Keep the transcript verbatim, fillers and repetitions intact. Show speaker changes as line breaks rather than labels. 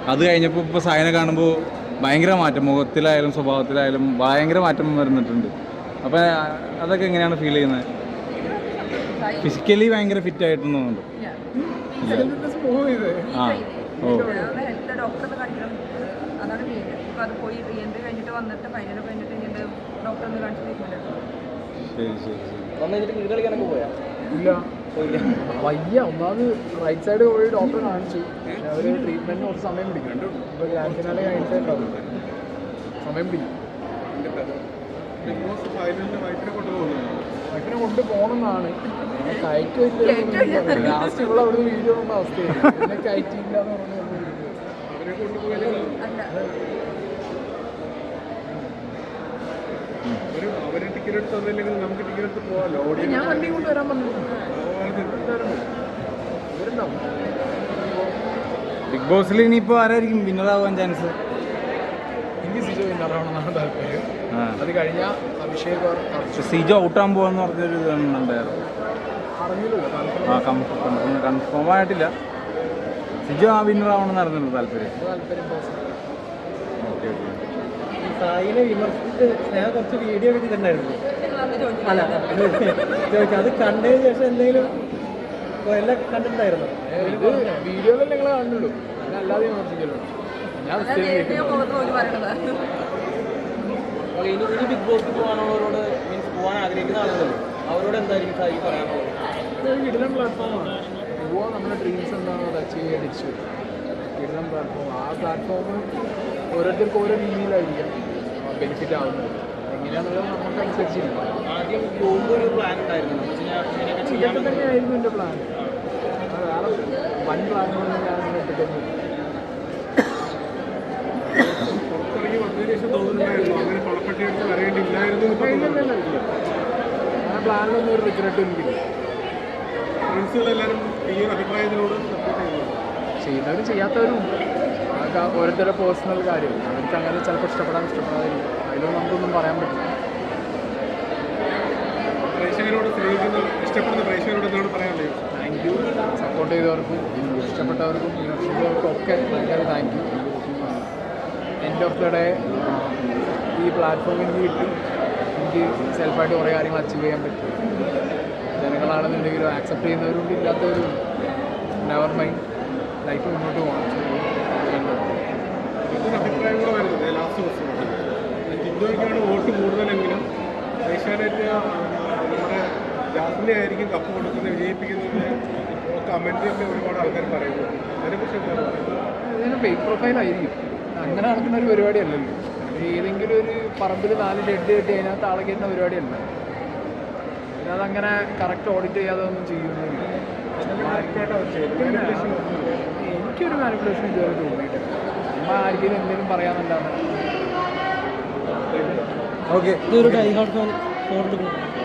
അത് കഴിഞ്ഞപ്പോൾ ഇപ്പോൾ സായനെ കാണുമ്പോൾ ഭയങ്കര മാറ്റം, മുഖത്തിലായാലും സ്വഭാവത്തിലായാലും ഭയങ്കര മാറ്റം വരുന്നിട്ടുണ്ട്. അപ്പോൾ അതൊക്കെ എങ്ങനെയാണ് ഫീൽ ചെയ്യുന്നത്? ഫിസിക്കലി ഭയങ്കര ഫിറ്റ് ആയിട്ട് തോന്നുന്നുണ്ട്. ആ ഓ
ഡോക്ടറെ കാണിക്കണം, അതാണ് മെയിൻ. ഇപ്പം അത് പോയി റീഎൻട്രി കഴിഞ്ഞിട്ട് വന്നിട്ട് ഫൈനൽ കഴിഞ്ഞിട്ട് കഴിഞ്ഞിട്ട് ഡോക്ടറെ ഒന്ന് കാണിച്ച് ട്രീറ്റ്മെൻറ്റ് എടുക്കണം.
ശരി ശരി ശരി.
ക്രിക്കറ്റ് കളിക്കാനൊക്കെ പോയാ?
ഇല്ല, വയ്യ. ഒന്നാമത് റൈറ്റ് സൈഡ് പോയി ഡോക്ടറെ കാണിച്ചു, പക്ഷെ അവർ ട്രീറ്റ്മെൻറ്റിന് കുറച്ച് സമയം പിടിക്കും. ഇപ്പോൾ ഗ്രാൻഡ് ഫിനാലെ കഴിഞ്ഞിട്ടേ ഉണ്ടാവും, സമയം പിടിക്കും. വൈഫിനെ കൊണ്ട് പോകണമെന്നാണ്, കയറ്റ് വെച്ച് ലാസ്റ്റ് ഇവിടെ അവിടുന്ന് വീഡിയോ കൊണ്ട അവസ്ഥയാണ്. പിന്നെ കയറ്റിയില്ല എന്ന് പറഞ്ഞു. ഞാൻ വണ്ടി കൊണ്ട് വരാൻ പറഞ്ഞു.
ബിഗ് ബോസിൽ ഇനിയിപ്പോൾ ആരായിരിക്കും വിന്നറാവാൻ ചാൻസ്?
എനിക്ക് സിജോ വിന്നറാവണമെന്നാണ് താല്പര്യം. അത് കഴിഞ്ഞാൽ അഭിഷേക്
സിജോ ഔട്ടാൻ പോകാന്ന് പറഞ്ഞൊരു ഇതുണ്ടായിരുന്നു. ആ കൺഫേം കൺഫേം ആയിട്ടില്ല. സിജോ ആ വിന്നറാവണമെന്നായിരുന്നു താല്പര്യം.
താല്പര്യം
ഓക്കെ ഓക്കെ.
സായിനെ വിമർശിച്ച് സ്നേഹ കുറച്ച് വീഡിയോ എടുത്തിട്ടുണ്ടായിരുന്നു. അല്ല ചോദിച്ചു, അത് കണ്ടതിന് ശേഷം എന്തെങ്കിലും എല്ലാം കണ്ടിട്ടുണ്ടായിരുന്നു?
ഇത് വീഡിയോയിൽ നിങ്ങൾ കണ്ടുള്ളൂ, ഞാൻ അല്ലാതെ വിമർശിക്കല്ലോ. ഞാൻ
ഇനി ഇനി ബിഗ് ബോസിൽ പോകാനുള്ളവരോട്, മീൻസ് പോകാൻ ആഗ്രഹിക്കുന്ന ആളുകളല്ലോ, അവരോട് എന്തായിരിക്കും സായി പറയാനുള്ളത്?
കിടിലം പ്ലാറ്റ്ഫോമാണ്. പോവാൻ നമ്മുടെ ഡ്രീംസ് എന്താണോ അത് അച്ചീവ് ചെയ്യാൻ തിരിച്ചു കിടിലം പ്ലാറ്റ്ഫോം. ആ പ്ലാറ്റ്ഫോം ഓരോരുത്തർക്കും ഓരോ രീതിയിലായിരിക്കാം ബെനിഫിറ്റ് ആവുന്നത്. എങ്ങനെയാണെന്നുള്ളത് നമുക്ക് അനുസരിച്ചിരിക്കും.
ആദ്യം പോകുമ്പോൾ ഒരു പ്ലാൻ ഉണ്ടായിരുന്നു,
ഇതൊക്കെ തന്നെയായിരുന്നു എൻ്റെ പ്ലാൻ. വേറെ വൻ പ്ലാനുകളൊന്നും ഞാൻ അങ്ങനെ ഇട്ടിട്ടൊന്നും ആ പ്ലാനിലൊന്നും ഒരു റിഗ്രറ്റ് എനിക്കില്ല. ചെയ്യുന്നവരും ചെയ്യാത്തവരും ഉണ്ട്. അതൊക്കെ ഓരോരുത്തരുടെ പേഴ്സണൽ കാര്യം. അവർക്ക് അങ്ങനെ ചിലപ്പോൾ ഇഷ്ടപ്പെടാൻ ഇഷ്ടപ്പെടാതിരിക്കും. അതിലൊന്നും നമുക്കൊന്നും പറയാൻ പറ്റില്ല. താങ്ക് യു സപ്പോർട്ട് ചെയ്തവർക്കും ഇഷ്ടപ്പെട്ടവർക്കും വിമർശിച്ചവർക്കും ഒക്കെ ഭയങ്കര thank you. End of the day ഈ പ്ലാറ്റ്ഫോം എനിക്ക് കിട്ടി. എനിക്ക് സെൽഫായിട്ട് കുറേ കാര്യങ്ങൾ അച്ചീവ് ചെയ്യാൻ പറ്റും. ജനങ്ങളാണെന്നുണ്ടെങ്കിലും ആക്സെപ്റ്റ് ചെയ്യുന്നവരും ഇല്ലാത്തവരും നെവർ മൈൻഡ്, ലൈഫ് മുന്നോട്ട് പോകണം.
അഭിപ്രായം കൂടെ വരുന്നത് ലാസ്റ്റ് ദിവസമാണ് ജിൻഡോയ്ക്കാണ് വോട്ട് കൂടുതലെങ്കിലും ഏഷ്യാനെറ്റ് നമ്മുടെ ജാസ്മിനെ ആയിരിക്കും കപ്പ് കൊടുക്കുന്നത്, വിജയിപ്പിക്കുന്നത് കമൻറ്റിലൊക്കെ ഒരുപാട് ആൾക്കാർ പറയുന്നു. അതിനെക്കുറിച്ച് എന്താണ് പറയുന്നത്?
ഇതിന് ഫേക്ക് പ്രൊഫൈലായിരിക്കും. അങ്ങനെ നടക്കുന്ന ഒരു പരിപാടിയല്ലല്ലോ. ഏതെങ്കിലും ഒരു പറമ്പിൽ നാല് ഷെഡ് കെട്ടി അതിനകത്ത് ആളെ കയറ്റുന്ന പരിപാടിയല്ല. പിന്നെ അതങ്ങനെ കറക്റ്റ് ഓഡിറ്റ് ചെയ്യാതെ ഒന്നും ചെയ്യുന്നില്ല. എനിക്കൊരു മാനിപ്പുലേഷൻ ഇതുവരെ തോന്നിയിട്ടില്ല. നമ്മൾ ആർക്കെങ്കിലും എന്തെങ്കിലും പറയാമെന്നല്ലാതെ.
ഓക്കെ.
ഇതൊരു ഡൈ ഹാർഡ് ഫാൻ ഫോർ